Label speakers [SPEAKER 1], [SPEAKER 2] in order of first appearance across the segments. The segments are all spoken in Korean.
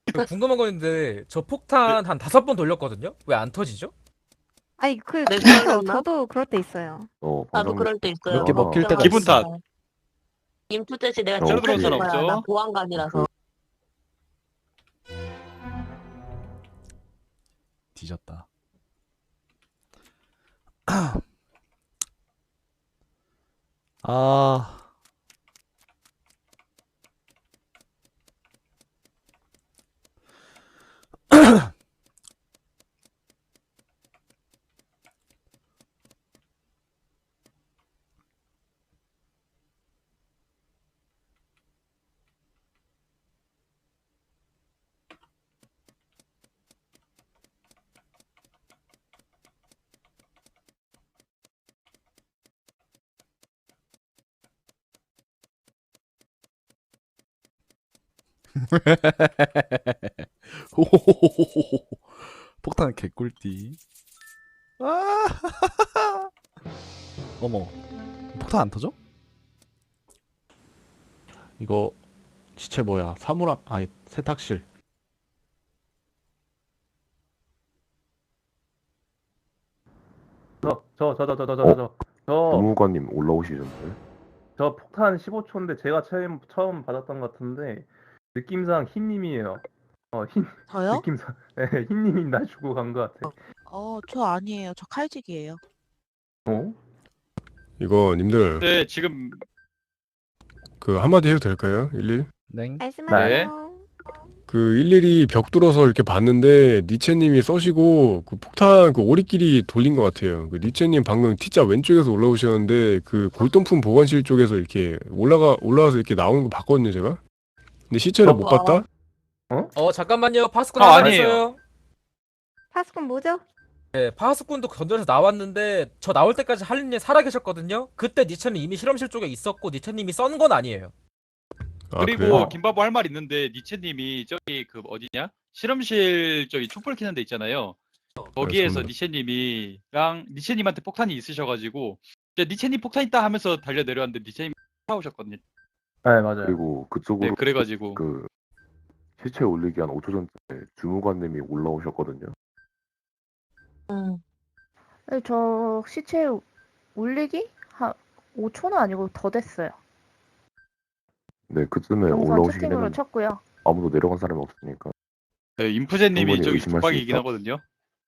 [SPEAKER 1] 궁금한 거 있는데 저 폭탄 한 5번 돌렸거든요? 왜 안 터지죠?
[SPEAKER 2] 아니
[SPEAKER 3] 내
[SPEAKER 2] 그렇죠.
[SPEAKER 3] 걸렸나?
[SPEAKER 2] 저도 그럴 때 있어요.
[SPEAKER 3] 나도
[SPEAKER 4] 방장님
[SPEAKER 3] 그럴 때
[SPEAKER 4] 몇
[SPEAKER 3] 있어요.
[SPEAKER 4] 개 먹힐 때가
[SPEAKER 5] 기분
[SPEAKER 4] 있어.
[SPEAKER 5] 탓.
[SPEAKER 3] 인풋 이 내가
[SPEAKER 4] 새로
[SPEAKER 5] 들어온
[SPEAKER 3] 체크해줄
[SPEAKER 5] 사람
[SPEAKER 3] 거야.
[SPEAKER 5] 없죠?
[SPEAKER 3] 나 보안관이라서.
[SPEAKER 4] 뒤졌다. 아. 호호호호호호. 폭탄 개꿀띠. 아. 어머. 폭탄 안 터져? 이거 시체 뭐야? 사물함 아니 세탁실.
[SPEAKER 6] 주무관님 올라오시던데.
[SPEAKER 7] 저 폭탄 15초인데 제가 처음 받았던 것 같은데 느낌상 흰님이에요.
[SPEAKER 8] 저요?
[SPEAKER 7] 느낌상 네, 흰님이 날 주고 간 것 같아.
[SPEAKER 8] 저 아니에요. 저 칼직이에요.
[SPEAKER 7] 어?
[SPEAKER 9] 이거 님들
[SPEAKER 5] 네, 지금
[SPEAKER 9] 그 한마디 해도 될까요? 11?
[SPEAKER 4] 네.
[SPEAKER 2] 말씀하세요.
[SPEAKER 9] 그 일일이 벽 뚫어서 이렇게 봤는데 니체님이 써시고 그 폭탄 그 오리끼리 돌린 것 같아요. 그 니체님 방금 T자 왼쪽에서 올라오셨는데 그 골동품 보관실 쪽에서 이렇게 올라와서 이렇게 나오는 거 봤거든요 제가. 근데 시체를 못 봤다?
[SPEAKER 1] 잠깐만요. 파스꾼
[SPEAKER 5] 아,
[SPEAKER 1] 하나
[SPEAKER 5] 아니에요.
[SPEAKER 1] 있어요.
[SPEAKER 2] 파스콘 뭐죠?
[SPEAKER 1] 네, 파스꾼도 건전에서 나왔는데 저 나올 때까지 할린님 살아 계셨거든요. 그때 니체는 이미 실험실 쪽에 있었고 니체님이 썬 건 아니에요.
[SPEAKER 9] 아,
[SPEAKER 5] 그리고
[SPEAKER 9] 그래요?
[SPEAKER 5] 김바보 할 말 있는데 니체님이 저기 그 어디냐? 실험실 저기 촛불 켜는 데 있잖아요. 거기에서
[SPEAKER 9] 알겠습니다.
[SPEAKER 5] 니체님이랑 니체님한테 폭탄이 있으셔가지고 이제 니체님 폭탄 있다 하면서 달려 내려왔는데 니체님이 싸우셨거든요.
[SPEAKER 7] 네 맞아요.
[SPEAKER 6] 그리고
[SPEAKER 5] 네,
[SPEAKER 6] 그쪽으로
[SPEAKER 5] 그래가지고
[SPEAKER 6] 그 시체 올리기 한 5초 전에 주무관님이 올라오셨거든요.
[SPEAKER 10] 네, 저 시체 올리기 한 5초는 아니고 더 됐어요.
[SPEAKER 6] 네, 그쯤에
[SPEAKER 10] 영상
[SPEAKER 6] 올라오시긴
[SPEAKER 10] 채팅으로
[SPEAKER 6] 했는데
[SPEAKER 10] 쳤고요.
[SPEAKER 6] 아무도 내려간 사람이 없으니까.
[SPEAKER 5] 네, 인프제님이
[SPEAKER 6] 충분히
[SPEAKER 5] 저기
[SPEAKER 6] 의심할 수
[SPEAKER 5] 독박이긴
[SPEAKER 6] 있다.
[SPEAKER 5] 하거든요.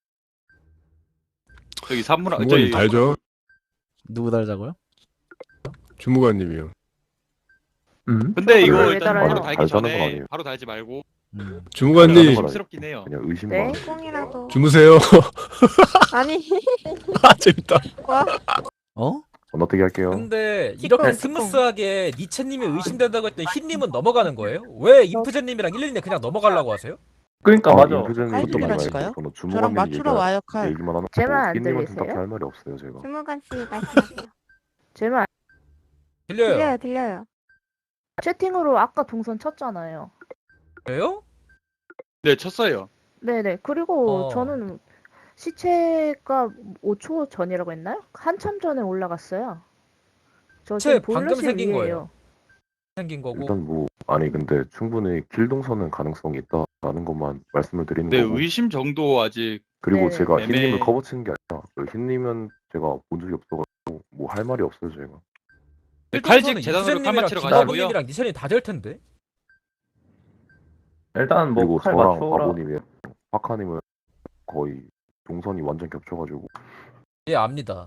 [SPEAKER 5] 저기 산문
[SPEAKER 9] 주무관님 달죠?
[SPEAKER 4] 누구 달자고요?
[SPEAKER 9] 주무관님이요.
[SPEAKER 5] 근데 이거
[SPEAKER 10] 왜
[SPEAKER 5] 일단
[SPEAKER 10] 달아요?
[SPEAKER 5] 바로 달기
[SPEAKER 6] 달자는 건
[SPEAKER 5] 전에
[SPEAKER 6] 아니에요.
[SPEAKER 5] 바로 달지 말고
[SPEAKER 9] 주무관님
[SPEAKER 5] 심스럽긴 해요.
[SPEAKER 6] 그냥 의심만.
[SPEAKER 10] 네?
[SPEAKER 2] 꽁이라도.
[SPEAKER 9] 주무세요.
[SPEAKER 2] 아니.
[SPEAKER 9] 아 재밌다.
[SPEAKER 2] 와.
[SPEAKER 4] 어?
[SPEAKER 6] 건너뛰기 할게요.
[SPEAKER 1] 근데 이렇게
[SPEAKER 2] 직공.
[SPEAKER 1] 스무스하게 니체님이 의심된다고 했더니 흰님은 넘어가는 거예요? 왜 인프제님이랑 112님 그냥 넘어가려고 하세요?
[SPEAKER 7] 그러니까 맞아.
[SPEAKER 6] 인프제님
[SPEAKER 8] 아니,
[SPEAKER 6] 그것도
[SPEAKER 8] 그러실까요?
[SPEAKER 6] 말고 저는
[SPEAKER 8] 저랑
[SPEAKER 6] 주무관님
[SPEAKER 8] 맞추러 와요, 칼.
[SPEAKER 6] 얘기만 하는
[SPEAKER 10] 제 말
[SPEAKER 6] 거고
[SPEAKER 10] 안
[SPEAKER 6] 흰님한테
[SPEAKER 10] 들리세요?
[SPEAKER 6] 딱히 할 말이 없어요 제가.
[SPEAKER 2] 주무관 씨 말씀하세요.
[SPEAKER 10] 제 말
[SPEAKER 1] 들려요.
[SPEAKER 2] 들려요.
[SPEAKER 10] 채팅으로 아까 동선 쳤잖아요.
[SPEAKER 1] 그래요?
[SPEAKER 5] 네, 쳤어요.
[SPEAKER 10] 네네. 그리고
[SPEAKER 1] 어.
[SPEAKER 10] 저는 시체가 5초 전이라고 했나요? 한참 전에 올라갔어요. 저
[SPEAKER 1] 시체
[SPEAKER 10] 지금
[SPEAKER 1] 방금
[SPEAKER 10] 보일러실
[SPEAKER 1] 생긴
[SPEAKER 10] 위에요.
[SPEAKER 1] 거예요. 생긴 거고.
[SPEAKER 6] 일단 뭐 아니 근데 충분히 길 동선은 가능성이 있다라는 것만 말씀을 드리는
[SPEAKER 5] 네,
[SPEAKER 6] 거고.
[SPEAKER 5] 의심 정도 아직
[SPEAKER 6] 그리고
[SPEAKER 10] 네.
[SPEAKER 6] 제가
[SPEAKER 5] 애매해.
[SPEAKER 6] 흰님을 커버치는 게 아니라 그 흰님은 제가 본 적이 없어가지고 뭐 할 말이 없어요 제가.
[SPEAKER 5] 칼직 재단으로 칼 맞추러 가시고요.
[SPEAKER 1] 김바보님이랑 니체님 다 될 텐데.
[SPEAKER 7] 일단 뭐
[SPEAKER 6] 그리고
[SPEAKER 7] 칼
[SPEAKER 6] 저랑
[SPEAKER 7] 맞춰라.
[SPEAKER 6] 바보님이 파카님은 거의 동선이 완전 겹쳐가지고.
[SPEAKER 1] 예, 압니다.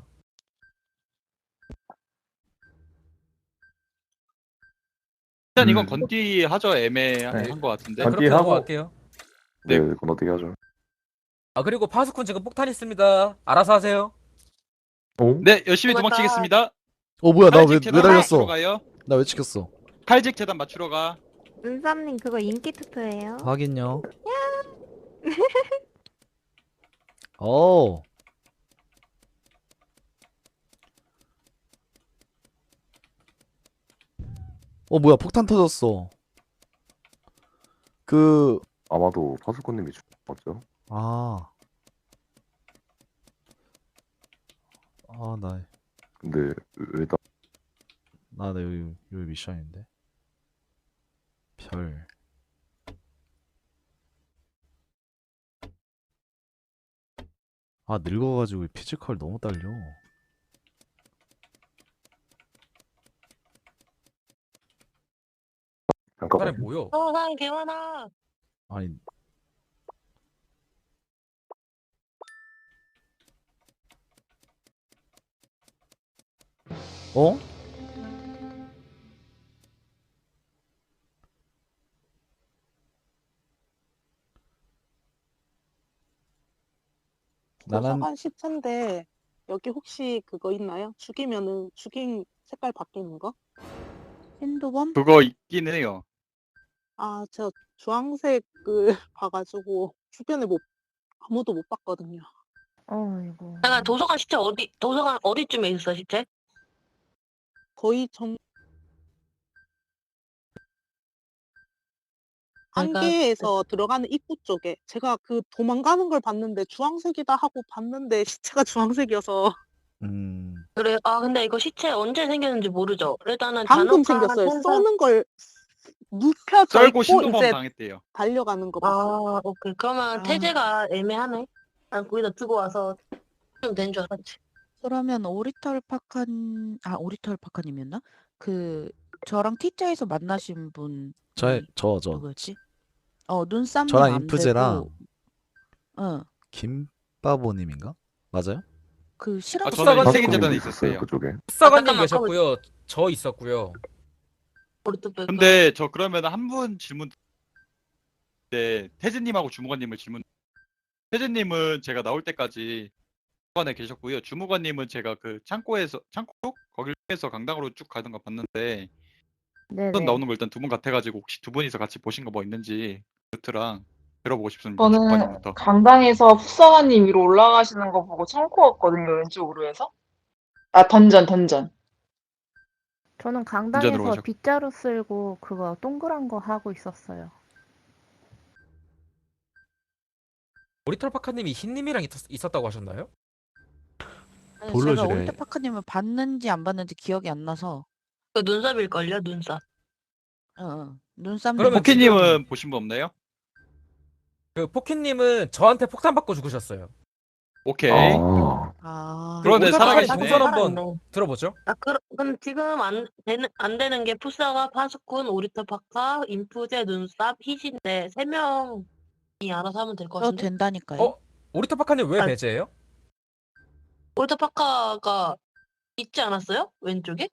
[SPEAKER 5] 일단 이건 건띠 하죠. 애매한
[SPEAKER 7] 네.
[SPEAKER 5] 것 같은데.
[SPEAKER 1] 네, 그렇게
[SPEAKER 7] 건띠하고-
[SPEAKER 1] 넘어갈게요.
[SPEAKER 5] 네.
[SPEAKER 6] 네, 건너뛰기 하죠.
[SPEAKER 1] 아, 그리고 파스콘 지금 폭탄 있습니다. 알아서 하세요.
[SPEAKER 5] 네, 열심히
[SPEAKER 3] 고맙다.
[SPEAKER 5] 도망치겠습니다.
[SPEAKER 4] 뭐야 나 왜
[SPEAKER 5] 칼직 재단 맞추러
[SPEAKER 4] 달렸어?
[SPEAKER 5] 가요.
[SPEAKER 4] 나 왜 찍혔어?
[SPEAKER 5] 칼직 재단 맞추러 가.
[SPEAKER 2] 은삼님 그거 인기 투표예요.
[SPEAKER 4] 확인요. 오. 뭐야 폭탄 터졌어.
[SPEAKER 6] 아마도 파수꾼님이 맞죠?
[SPEAKER 4] 아. 나
[SPEAKER 6] 근데 왜 다
[SPEAKER 4] 여기 미션인데. 별.
[SPEAKER 11] 아, 늙어가지고 피지컬 너무 딸려.
[SPEAKER 6] 잠깐만.
[SPEAKER 1] 사람이 뭐요?
[SPEAKER 3] 사람 개 많아.
[SPEAKER 11] 아니, 어? 나는
[SPEAKER 8] 도서관 시체인데 여기 혹시 그거 있나요? 죽이면은 죽인 색깔 바뀌는 거? 핸드범?
[SPEAKER 5] 그거 있긴 해요.
[SPEAKER 8] 아, 제가 주황색을 봐가지고 주변에 아무도 못 봤거든요.
[SPEAKER 10] 어이구.
[SPEAKER 3] 잠깐 도서관 어디쯤에 있어 시체?
[SPEAKER 8] 거의 안개에서 들어가는 입구 쪽에 제가 그 도망가는 걸 봤는데 주황색이다 하고 봤는데 시체가 주황색이어서
[SPEAKER 3] 그래. 아 근데 이거 시체 언제 생겼는지 모르죠. 일단은
[SPEAKER 8] 방금
[SPEAKER 3] 잔혹한
[SPEAKER 8] 생겼어요.
[SPEAKER 3] 현상-
[SPEAKER 8] 쏘는 걸 눕혀져
[SPEAKER 5] 썰고
[SPEAKER 8] 있고
[SPEAKER 5] 신도범
[SPEAKER 8] 이제
[SPEAKER 5] 당했대요.
[SPEAKER 8] 달려가는 거
[SPEAKER 3] 아
[SPEAKER 8] 봤어요.
[SPEAKER 3] 오케이. 그러면
[SPEAKER 8] 아.
[SPEAKER 3] 태제가 애매하네. 난 거기다 두고 와서 좀 된 줄 알았지.
[SPEAKER 8] 그러면 오리털 파카님이었나? 그 저랑 T자에서 만나신 분
[SPEAKER 11] 저
[SPEAKER 8] 누구였지? 눈쌈님
[SPEAKER 11] 저랑
[SPEAKER 8] 안
[SPEAKER 11] 인프제랑
[SPEAKER 8] 되고,
[SPEAKER 11] 김바보님인가? 맞아요?
[SPEAKER 8] 그 실험
[SPEAKER 5] 저는
[SPEAKER 6] 파스콘님도
[SPEAKER 5] 세계재단에
[SPEAKER 6] 있었어요,
[SPEAKER 5] 있었어요.
[SPEAKER 6] 그쪽에.
[SPEAKER 1] 흑사관님
[SPEAKER 3] 잠깐만,
[SPEAKER 1] 계셨고요. 저 있었고요.
[SPEAKER 3] 오리토
[SPEAKER 5] 근데 저 그러면 한 분 질문. 네, 태진님하고 주무관님을 질문. 태진님은 제가 나올 때까지 주무관에 계셨고요. 주무관님은 제가 그 창고 거길 통해서 강당으로 쭉 가는 거 봤는데
[SPEAKER 10] 네네.
[SPEAKER 5] 우선 나오는 거 일단 두 분 같아가지고 혹시 두 분이서 같이 보신 거 뭐 있는지 루트랑 들어보고 싶습니다.
[SPEAKER 12] 저는
[SPEAKER 5] 주무관님부터.
[SPEAKER 12] 강당에서 풋사관님 위로 올라가시는 거 보고 창고 갔거든요, 왼쪽으로 해서. 아, 던전.
[SPEAKER 10] 저는
[SPEAKER 5] 운전으로
[SPEAKER 10] 강당에서
[SPEAKER 5] 가셨고.
[SPEAKER 10] 빗자루 쓸고 그거 동그란 거 하고 있었어요.
[SPEAKER 1] 오리털 파카님이 흰님이랑 있었다고 하셨나요?
[SPEAKER 8] 아니, 제가
[SPEAKER 4] 볼러지래.
[SPEAKER 8] 오리털 파카님을 봤는지 안 봤는지 기억이 안 나서
[SPEAKER 3] 그 눈썹일걸요 눈썹.
[SPEAKER 8] 눈쌈님
[SPEAKER 1] 그러면
[SPEAKER 5] 포키님은 보신 분 없나요?
[SPEAKER 1] 그 포키님은 저한테 폭탄 받고 죽으셨어요.
[SPEAKER 5] 오케이. 그러네,
[SPEAKER 1] 오리털
[SPEAKER 5] 살아계시네.
[SPEAKER 1] 파카님 동선 한번
[SPEAKER 3] 살아있네.
[SPEAKER 1] 들어보죠.
[SPEAKER 3] 근데 지금 안 되는 게 푸사가 파스콘, 오리터 파카, 인프제, 눈썹, 희진데 3명이 알아서 하면 될 것
[SPEAKER 8] 저
[SPEAKER 3] 같은데.
[SPEAKER 8] 된다니까요.
[SPEAKER 1] 오리털 파카님 왜
[SPEAKER 3] 아,
[SPEAKER 1] 배제예요?
[SPEAKER 3] 오리터 파카가 있지 않았어요? 왼쪽에?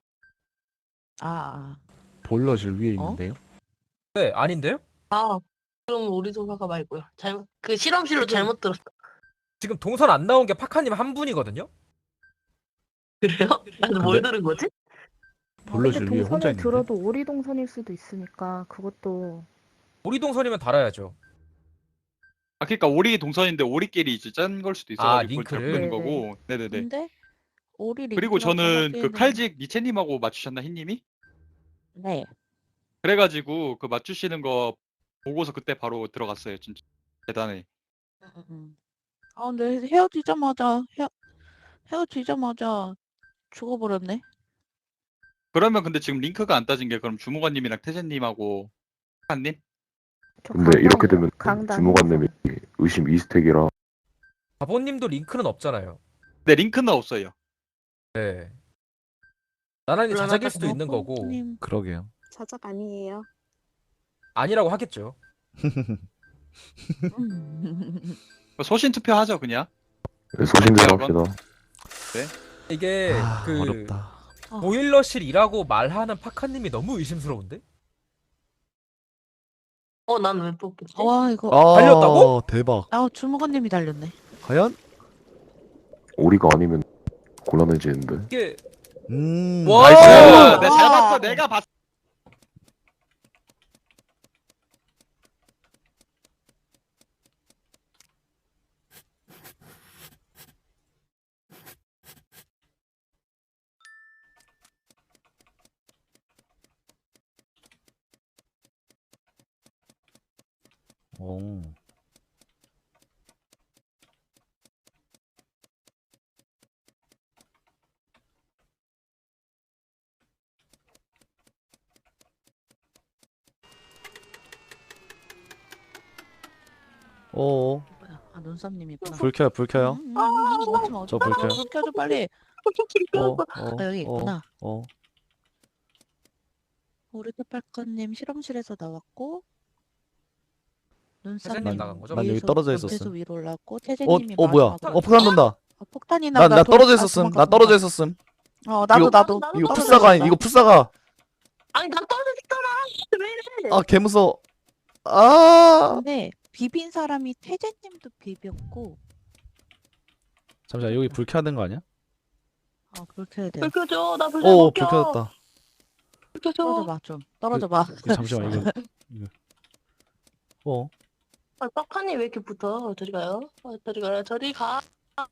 [SPEAKER 4] 보일러실 위에 있는데요?
[SPEAKER 1] 네, 아닌데요?
[SPEAKER 3] 그럼 오리터 파카 말고요. 그 실험실로 잘못 들었어.
[SPEAKER 1] 지금 동선 안 나온 게 파카님 한 분이거든요?
[SPEAKER 3] 그래요? 나는 뭘 들은 거지?
[SPEAKER 10] 근데
[SPEAKER 4] 보일러실 위에 혼자
[SPEAKER 10] 동선을
[SPEAKER 4] 있는데?
[SPEAKER 10] 들어도 오리 동선일 수도 있으니까 그것도
[SPEAKER 1] 오리 동선이면 달아야죠.
[SPEAKER 5] 그러니까 오리 동선인데 오리끼리 이제 짠 걸 수도 있어가지고 그걸 잘
[SPEAKER 1] 링크를?
[SPEAKER 5] 모르는 거고. 네네네.
[SPEAKER 8] 근데 오리
[SPEAKER 5] 그리고
[SPEAKER 8] 링크라고
[SPEAKER 5] 저는 그
[SPEAKER 8] 하기에는-
[SPEAKER 5] 칼직 니체님하고 맞추셨나 흰님이?
[SPEAKER 8] 네.
[SPEAKER 5] 그래가지고 그 맞추시는 거 보고서 그때 바로 들어갔어요. 진짜 대단해.
[SPEAKER 8] 근데 헤어지자마자 죽어버렸네.
[SPEAKER 5] 그러면 근데 지금 링크가 안 따진 게 그럼 주무관님이랑 태재님하고 한님?
[SPEAKER 6] 근데 이렇게 되면
[SPEAKER 10] 강당에서.
[SPEAKER 6] 주무관님이 의심 이스택이라
[SPEAKER 1] 바보님도 링크는 없잖아요.
[SPEAKER 5] 네, 링크는 없어요.
[SPEAKER 1] 네. 나란히 자작일 수도 있는 거고
[SPEAKER 8] 바보님
[SPEAKER 11] 그러게요.
[SPEAKER 8] 자작 아니에요.
[SPEAKER 1] 아니라고 하겠죠.
[SPEAKER 5] 소신 투표하죠 그냥.
[SPEAKER 6] 소신대로
[SPEAKER 5] 대학원?
[SPEAKER 6] 합시다.
[SPEAKER 1] 이게 그
[SPEAKER 11] 어렵다.
[SPEAKER 1] 보일러실이라고 말하는 파카님이 너무 의심스러운데?
[SPEAKER 3] 난 왜 뽑혔지?
[SPEAKER 8] 이거
[SPEAKER 1] 달렸다고?
[SPEAKER 11] 대박.
[SPEAKER 8] 주무관님이 달렸네.
[SPEAKER 11] 과연?
[SPEAKER 6] 오리가 아니면 곤란해지는데.
[SPEAKER 1] 이게
[SPEAKER 5] 와! 나이스! 내가 잘 봤어. 내가 봤어.
[SPEAKER 11] 오. 오.
[SPEAKER 13] 아, 눈썹님이구나.
[SPEAKER 11] 불 켜요, 불 켜요.
[SPEAKER 13] 어쩌면
[SPEAKER 11] 저 불 켜요.
[SPEAKER 13] 불 켜줘 빨리. 아, 여기 있구나. 오리터팔커님 실험실에서 나왔고
[SPEAKER 1] 태재님
[SPEAKER 13] 눈썹님
[SPEAKER 1] 나간 거죠?
[SPEAKER 11] 난 여기
[SPEAKER 13] 위에서
[SPEAKER 11] 떨어져
[SPEAKER 13] 옆에서
[SPEAKER 11] 있었음.
[SPEAKER 13] 위로 올랐고 태재님이
[SPEAKER 11] 뭐야?
[SPEAKER 13] 마지막으로
[SPEAKER 11] 폭탄 돈다.
[SPEAKER 13] 폭탄이
[SPEAKER 11] 나
[SPEAKER 13] 나가.
[SPEAKER 11] 떨어져 있었음. 나 떨어져 있었음.
[SPEAKER 13] 나도
[SPEAKER 11] 이거-
[SPEAKER 13] 나도.
[SPEAKER 11] 이거
[SPEAKER 13] 떨어져
[SPEAKER 11] 풋사가
[SPEAKER 13] 있었다.
[SPEAKER 11] 이거 풋사가.
[SPEAKER 3] 아니 나 떨어졌잖아. 왜 이래?
[SPEAKER 11] 아, 개무서워. 아.
[SPEAKER 13] 근데 비빈 사람이 태재님도 비볐고.
[SPEAKER 11] 잠시만, 여기 불 켜야 되는 거 아니야?
[SPEAKER 13] 불 켜야 돼.
[SPEAKER 3] 불 켜줘. 나 불
[SPEAKER 11] 오,
[SPEAKER 3] 못
[SPEAKER 11] 불
[SPEAKER 3] 켜.
[SPEAKER 11] 켜졌다.
[SPEAKER 3] 불 켜줘.
[SPEAKER 13] 떨어져봐 좀. 떨어져봐.
[SPEAKER 11] 잠시만, 이거.
[SPEAKER 3] 아, 빡하니 왜 이렇게 붙어? 저리 가요. 저리 가요. 저리 가.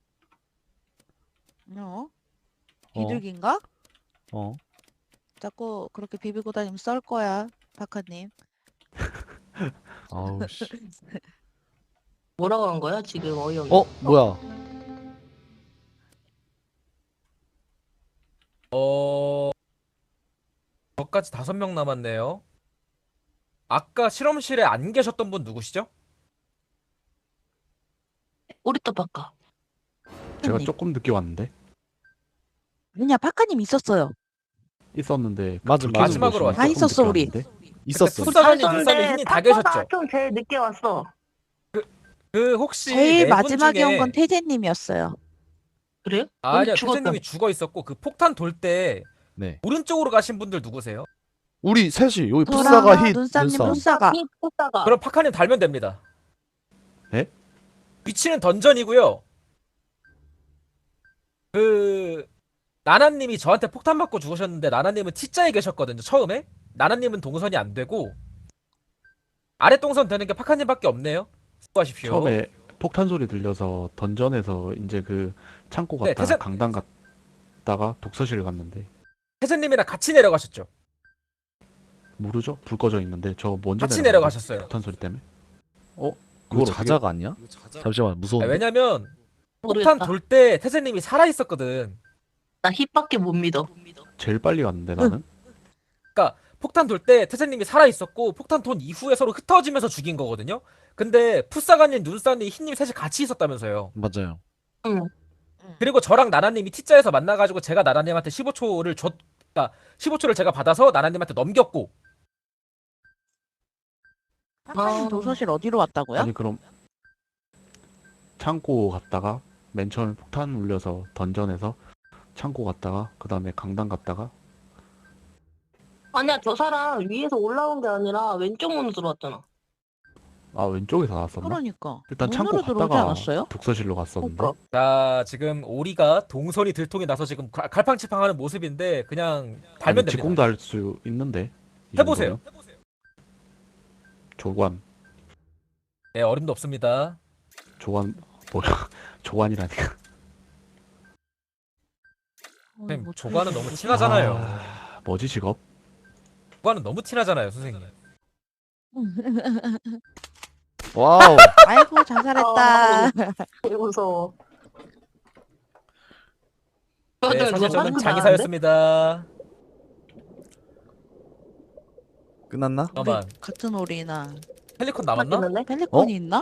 [SPEAKER 13] 비둘기인가?
[SPEAKER 11] 어.
[SPEAKER 13] 자꾸 그렇게 비비고 다니면 썰 거야, 박하님.
[SPEAKER 11] 아우 씨.
[SPEAKER 3] 뭐라고 한 거야 지금 어이없네.
[SPEAKER 11] 뭐야?
[SPEAKER 1] 저까지 5명 남았네요. 아까 실험실에 안 계셨던 분 누구시죠?
[SPEAKER 3] 오리터 바꿔.
[SPEAKER 4] 제가 조금 늦게 왔는데
[SPEAKER 13] 아니야, 박하님 있었어요.
[SPEAKER 4] 있었는데
[SPEAKER 11] 맞아,
[SPEAKER 1] 마지막으로 왔죠.
[SPEAKER 13] 다 있었어, 우리.
[SPEAKER 11] 있었어.
[SPEAKER 1] 풋사관이 눈썹이 힘이 다 계셨죠?
[SPEAKER 3] 좀 제일 늦게 왔어.
[SPEAKER 1] 그 혹시
[SPEAKER 13] 제일
[SPEAKER 1] 네 분
[SPEAKER 13] 마지막에 온
[SPEAKER 1] 중에
[SPEAKER 13] 건 태재님이었어요.
[SPEAKER 3] 그래요?
[SPEAKER 1] 아니야,
[SPEAKER 3] 죽었다.
[SPEAKER 1] 태재님이 죽어 있었고 그 폭탄 돌 때
[SPEAKER 11] 네.
[SPEAKER 1] 오른쪽으로 가신 분들 누구세요?
[SPEAKER 11] 우리 셋이 여기
[SPEAKER 13] 저랑
[SPEAKER 11] 풋사가 힛
[SPEAKER 13] 눈쌈님
[SPEAKER 11] 눈쌈.
[SPEAKER 13] 풋사가.
[SPEAKER 3] 풋사가.
[SPEAKER 1] 그럼 파카님 달면 됩니다.
[SPEAKER 4] 에?
[SPEAKER 1] 위치는 던전이고요. 그 나나님이 저한테 폭탄 맞고 죽으셨는데 나나님은 T자에 계셨거든요. 처음에 나나님은 동선이 안 되고 아래 동선 되는 게 파카님밖에 없네요. 수고하십시오.
[SPEAKER 4] 처음에 폭탄 소리 들려서 던전에서 이제 그 창고
[SPEAKER 1] 네,
[SPEAKER 4] 갔다가 강당 갔다가 독서실 갔는데
[SPEAKER 1] 태재님이랑 같이 내려가셨죠?
[SPEAKER 4] 모르죠? 불 꺼져 있는데 저 먼저
[SPEAKER 1] 같이
[SPEAKER 4] 내려갔는데,
[SPEAKER 1] 내려가셨어요.
[SPEAKER 4] 폭탄 소리 때문에.
[SPEAKER 11] 그거
[SPEAKER 4] 그걸 어떻게-
[SPEAKER 11] 자자가 아니야? 잠시만, 무서운데.
[SPEAKER 1] 왜냐면
[SPEAKER 3] 모르겠다.
[SPEAKER 1] 폭탄 돌 때 태재님이 살아 있었거든.
[SPEAKER 3] 나 힙밖에 못 믿어.
[SPEAKER 4] 제일 빨리 갔는데 나는.
[SPEAKER 1] 그러니까 폭탄 돌 때 태재님이 살아 있었고 폭탄 돈 이후에 서로 흩어지면서 죽인 거거든요. 근데 푸사가님, 눈사님, 흰님 셋이 같이 있었다면서요.
[SPEAKER 11] 맞아요.
[SPEAKER 3] 응.
[SPEAKER 1] 그리고 저랑 나나님이 T자에서 만나가지고 제가 나나님한테 15초를 그러니까 15초를 제가 받아서 나나님한테 넘겼고.
[SPEAKER 13] 박하님 도서실 어디로 왔다고요?
[SPEAKER 4] 아니 그럼 창고 갔다가 맨 처음에 폭탄 울려서 던전에서 창고 갔다가 그 다음에 강당 갔다가
[SPEAKER 3] 아니야 저 사람 위에서 올라온 게 아니라 왼쪽 문으로 들어왔잖아.
[SPEAKER 4] 아 왼쪽에서 나왔었나?
[SPEAKER 13] 그러니까.
[SPEAKER 4] 일단 창고
[SPEAKER 13] 문으로 들어오지
[SPEAKER 4] 갔다가
[SPEAKER 13] 않았어요?
[SPEAKER 4] 독서실로 갔었는데
[SPEAKER 1] 자, 지금 오리가 동선이 들통이 나서 지금 갈팡치팡하는 모습인데 그냥 달면 됩니다.
[SPEAKER 4] 직공도 할 수 있는데 이
[SPEAKER 1] 해보세요.
[SPEAKER 4] 정도면? 조관
[SPEAKER 1] 네, 어림도 없습니다.
[SPEAKER 4] 조관 뭐야 조관이라니까.
[SPEAKER 1] 선생님, 조관은 너무 티나잖아요.
[SPEAKER 4] 뭐지 직업?
[SPEAKER 1] 조관은 너무 티나잖아요, 선생님.
[SPEAKER 11] 와우.
[SPEAKER 13] 아이고 자살했다.
[SPEAKER 3] 되게 무서워.
[SPEAKER 1] 네, 사실 저는 장의사였습니다.
[SPEAKER 11] 끝났나?
[SPEAKER 1] 잠깐만.
[SPEAKER 13] 같은 오리나.
[SPEAKER 1] 펠리콘 남았나?
[SPEAKER 13] 펠리콘이 있나?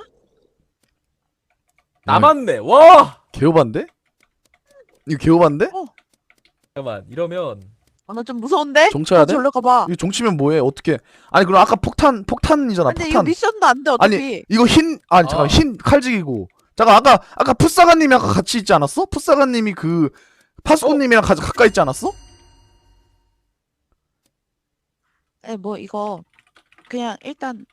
[SPEAKER 1] 남았네. 와!
[SPEAKER 11] 개오반데? 이거 개오반데?
[SPEAKER 1] 잠깐만. 이러면
[SPEAKER 13] 나 좀 무서운데?
[SPEAKER 11] 종쳐야 돼?
[SPEAKER 13] 절로 가봐.
[SPEAKER 11] 이거 종치면 뭐해? 어떻게? 아니 그럼 아까 폭탄이잖아.
[SPEAKER 13] 근데
[SPEAKER 11] 폭탄.
[SPEAKER 13] 이거 미션도 안 돼 어차피.
[SPEAKER 11] 아니 이거 잠깐 흰 칼직이고. 잠깐 아까 풋사가님이 아까 같이 있지 않았어? 풋사가님이 그 파스코님이랑 가까이 있지 않았어?
[SPEAKER 13] 뭐 이거 그냥 일단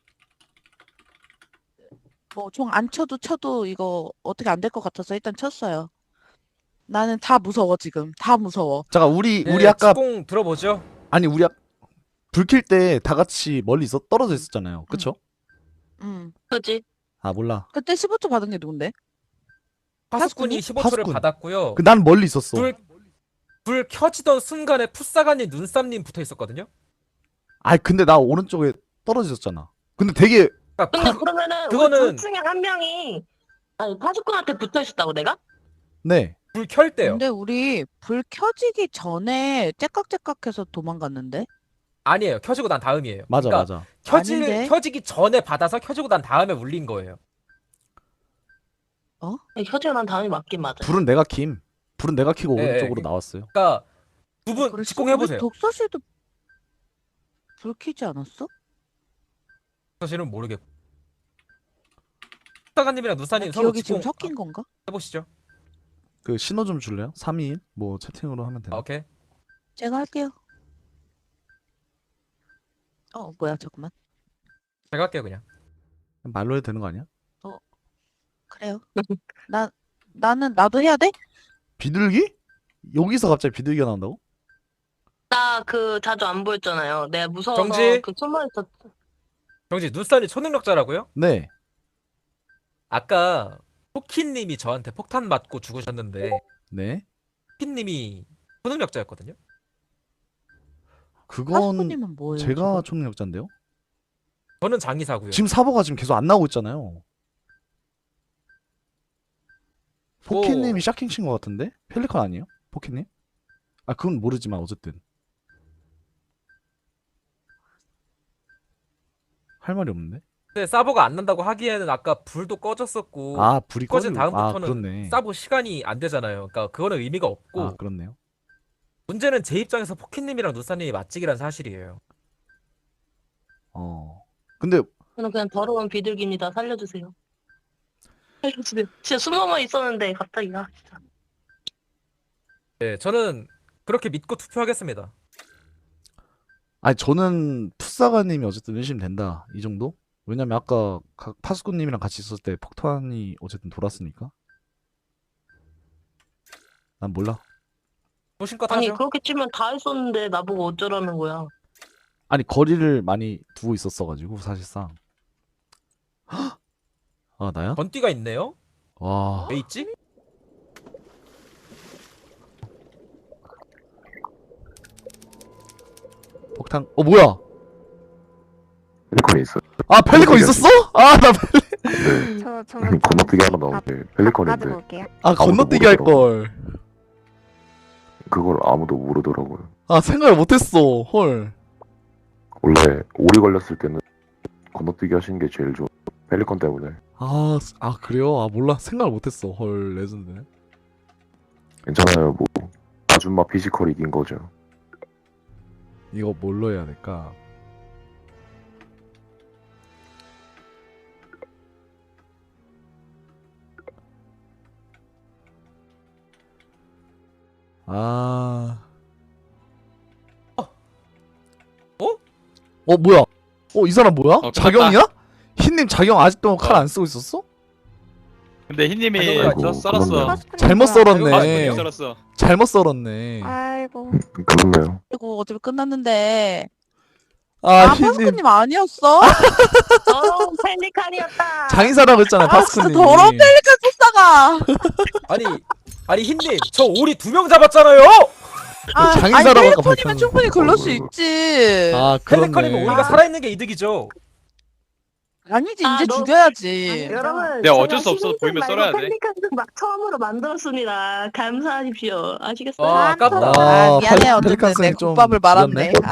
[SPEAKER 13] 뭐 종 안 쳐도 이거 어떻게 안 될 것 같아서 일단 쳤어요. 나는 다 무서워 지금. 다 무서워.
[SPEAKER 11] 잠깐 우리
[SPEAKER 1] 네,
[SPEAKER 11] 아까
[SPEAKER 1] 직공 들어보죠.
[SPEAKER 11] 아니 우리 불 킬 때 다 같이 멀리 떨어져 있었잖아요. 그쵸?
[SPEAKER 3] 그지.
[SPEAKER 11] 아 몰라.
[SPEAKER 13] 그때 15초 받은 게 누군데?
[SPEAKER 1] 파스꾼이 15초를
[SPEAKER 11] 파스꾼.
[SPEAKER 1] 받았고요.
[SPEAKER 11] 난 멀리 있었어.
[SPEAKER 1] 불 켜지던 순간에 풋사가님, 눈쌈님 붙어 있었거든요.
[SPEAKER 11] 아니 근데 나 오른쪽에 떨어졌잖아. 근데 되게
[SPEAKER 3] 근데 그러면은
[SPEAKER 1] 그거는-
[SPEAKER 3] 우리 둘 중에 한 명이 아니 파수꾼한테 붙어 있었다고 내가?
[SPEAKER 11] 네.
[SPEAKER 1] 불 켤 때요.
[SPEAKER 13] 근데 우리 불 켜지기 전에 째깍째깍해서 도망갔는데?
[SPEAKER 1] 아니에요. 켜지고 난 다음이에요.
[SPEAKER 11] 맞아
[SPEAKER 1] 그러니까
[SPEAKER 11] 맞아.
[SPEAKER 13] 아닌데?
[SPEAKER 1] 켜지기 전에 받아서 켜지고 난 다음에 울린 거예요.
[SPEAKER 3] 혀질만 다음이 맞긴 맞아요.
[SPEAKER 11] 불은 내가 킴. 불은 내가 켜고
[SPEAKER 1] 예,
[SPEAKER 11] 오른쪽으로
[SPEAKER 1] 예.
[SPEAKER 11] 나왔어요.
[SPEAKER 1] 그러니까 두 분
[SPEAKER 13] 그랬어?
[SPEAKER 1] 직공해보세요.
[SPEAKER 13] 왜 독서실도 불 켜지 않았어?
[SPEAKER 1] 사실은 모르겠고. 사관님이랑 누사님 서로
[SPEAKER 13] 기억이 지금
[SPEAKER 1] 직공
[SPEAKER 13] 섞인 건가?
[SPEAKER 1] 해보시죠.
[SPEAKER 11] 그 신호 좀 줄래요? 3인 뭐 채팅으로 하면
[SPEAKER 1] 아,
[SPEAKER 11] 되나?
[SPEAKER 1] 오케이.
[SPEAKER 13] 제가 할게요. 뭐야, 잠깐만.
[SPEAKER 1] 제가 할게요 그냥.
[SPEAKER 11] 말로 해도 되는 거 아니야?
[SPEAKER 13] 그래요. 나도 해야 돼?
[SPEAKER 11] 비둘기? 여기서 갑자기 비둘기가 나온다고?
[SPEAKER 3] 나 그 자주 안 보였잖아요. 내가 무서워서
[SPEAKER 1] 정지.
[SPEAKER 3] 그 숨어있었.
[SPEAKER 1] 정지 누사님 초능력자라고요?
[SPEAKER 11] 네.
[SPEAKER 1] 아까 포키님이 저한테 폭탄 맞고 죽으셨는데
[SPEAKER 11] 네.
[SPEAKER 1] 포키님이 초능력자였거든요.
[SPEAKER 11] 그건
[SPEAKER 13] 파스코님은 뭐예요?
[SPEAKER 11] 제가
[SPEAKER 13] 지금?
[SPEAKER 11] 초능력자인데요.
[SPEAKER 1] 저는 장의사고요.
[SPEAKER 11] 지금 사보가 지금 계속 안 나오고 있잖아요. 포키님이 샤킹 친 것 같은데? 펠리컨 아니에요? 포키님? 아 그건 모르지만 어쨌든 할 말이 없는데?
[SPEAKER 1] 근데 사보가 안 난다고 하기에는 아까 불도 꺼졌었고
[SPEAKER 11] 아 불이
[SPEAKER 1] 꺼진
[SPEAKER 11] 꺼지고
[SPEAKER 1] 다음부터는
[SPEAKER 11] 그렇네.
[SPEAKER 1] 사보 시간이 안 되잖아요. 그러니까 그거는 의미가 없고
[SPEAKER 11] 아 그렇네요.
[SPEAKER 1] 문제는 제 입장에서 포키님이랑 누사님이 맞직이란 사실이에요.
[SPEAKER 11] 근데
[SPEAKER 3] 저는 그냥 더러운 비둘기입니다. 살려주세요. 살려주세요. 진짜 숨어만 있었는데 갑자기 진짜.
[SPEAKER 1] 네, 저는 그렇게 믿고 투표하겠습니다.
[SPEAKER 11] 아니 저는 풋사가님이 어쨌든 의심된다 이 정도? 왜냐면 아까 파스코님이랑 같이 있었을 때 폭탄이 어쨌든 돌았으니까. 난 몰라.
[SPEAKER 1] 보신 것
[SPEAKER 3] 아니
[SPEAKER 1] 하죠?
[SPEAKER 3] 그렇게 치면 다 했었는데 나보고 어쩌라는 거야.
[SPEAKER 11] 아니 거리를 많이 두고 있었어가지고 사실상. 헉! 아 나야?
[SPEAKER 1] 번띠가 있네요.
[SPEAKER 11] 와.
[SPEAKER 1] 왜 있지?
[SPEAKER 11] 폭탄. 뭐야?
[SPEAKER 6] 펠리컨이 있어요.
[SPEAKER 11] 아 펠리컨 있었어? 아 나
[SPEAKER 2] 저
[SPEAKER 6] 건너뛰기 하나 나오는데 펠리컨인데
[SPEAKER 2] 가지고 올게요.
[SPEAKER 11] 건너뛰기 할 걸.
[SPEAKER 6] 그걸 아무도 모르더라고요.
[SPEAKER 11] 아 생각을 못했어. 헐.
[SPEAKER 6] 원래 오리 걸렸을 때는 건너뛰기 하시는 게 제일 좋아. 펠리컨 때문에.
[SPEAKER 11] 아 그래요? 아 몰라. 생각을 못했어. 헐 레전드네.
[SPEAKER 6] 괜찮아요. 뭐 아줌마 피지컬 이긴 거죠.
[SPEAKER 11] 이거 뭘로 해야 될까? 뭐야? 이 사람 뭐야?
[SPEAKER 5] 끝났다.
[SPEAKER 11] 자경이야? 흰님 자경 아직도 칼 안 쓰고 있었어?
[SPEAKER 5] 근데 흰님이
[SPEAKER 6] 아이고,
[SPEAKER 5] 썰었어.
[SPEAKER 6] 그렇네요.
[SPEAKER 11] 잘못 썰었네.
[SPEAKER 5] 파스코님이 썰었어.
[SPEAKER 11] 잘못 썰었네.
[SPEAKER 2] 아이고.
[SPEAKER 6] 그렇네요.
[SPEAKER 13] 이거 어차피 끝났는데.
[SPEAKER 11] 흰님
[SPEAKER 13] 파스코님 아니었어?
[SPEAKER 3] 더러운 펠리칸이었다.
[SPEAKER 11] 장의사라고 했잖아요,
[SPEAKER 13] 진짜
[SPEAKER 11] 파스코님.
[SPEAKER 13] 더러운 펠리칸 쫓다가.
[SPEAKER 1] 아니 흰님 저 오리 2명 잡았잖아요.
[SPEAKER 11] 장의사라고 아까
[SPEAKER 13] 펠리컨이면 충분히 그럴 수 있지.
[SPEAKER 1] 펠리컨이면 오리가 살아있는 게 이득이죠.
[SPEAKER 13] 아니지
[SPEAKER 3] 아,
[SPEAKER 13] 이제
[SPEAKER 3] 너-
[SPEAKER 13] 죽여야지.
[SPEAKER 3] 여러분,
[SPEAKER 5] 내가 어쩔 수
[SPEAKER 3] 제가
[SPEAKER 5] 없어.
[SPEAKER 3] 시민증
[SPEAKER 5] 보이면
[SPEAKER 3] 말고
[SPEAKER 5] 썰어야 돼.
[SPEAKER 3] 펠리칸도 막 처음으로 만들었습니다. 감사하십시오. 아시겠어요?
[SPEAKER 1] 아깝다.
[SPEAKER 11] 아,
[SPEAKER 13] 미안해 어쨌든
[SPEAKER 11] 펠리칸
[SPEAKER 13] 내
[SPEAKER 11] 쌤좀
[SPEAKER 13] 국밥을 말았네.
[SPEAKER 11] 늦었네.